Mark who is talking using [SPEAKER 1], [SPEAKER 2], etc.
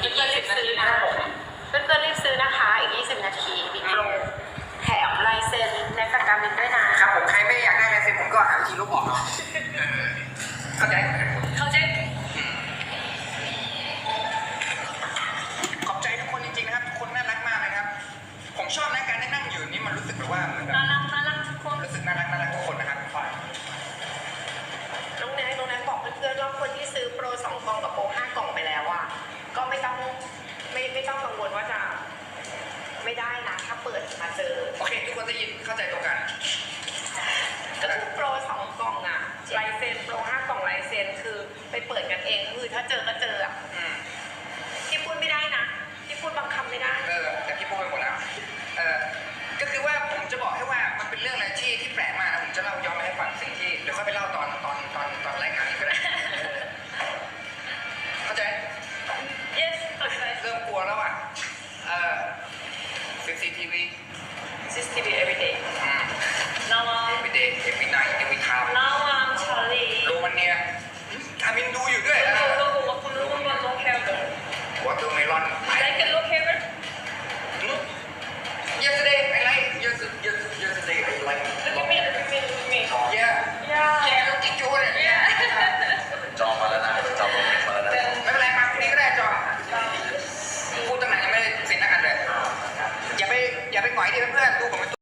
[SPEAKER 1] พื่อนๆรีบซื้อนะเพื่อนๆรีบซื้อนะคะอีก20 นาทีมีโปรแถมลายเซ็นในปากกาบินด้วยนะครับ
[SPEAKER 2] ผมใครไม่อยากได้ลายเซ็นผมก็หาวิธีลบออกเนาะเข้าใจขอบใจทุกคนจริงๆนะครับทุกคนน่ารักมากนะครับผมชอบนะการได้นั่งอยู่นี่มันรู้สึกแบบว่าเหมือนแบบ
[SPEAKER 1] น่ารักทุกคน
[SPEAKER 2] รู้สึกน่ารักทุกคนนะครับ
[SPEAKER 1] น้องแนนบอกเพื่อนๆว่าคนที่ซื้อโปร2 กล่องกับโปร5 กล่องไปแล้วอ่ะก็ไม่ต้องกังวลว่าจะไม่ได้นะถ้าเปิดมาเจอ
[SPEAKER 2] โอเคทุกคนได้ยินเข้าใจตรงกัน
[SPEAKER 1] ก็คือโปร2 กล่องอ่ะลายเซ็นโปร5 กล่องลายเซ็นคือไปเปิดกันเองคือถ้าเจอก็เจออ่ะ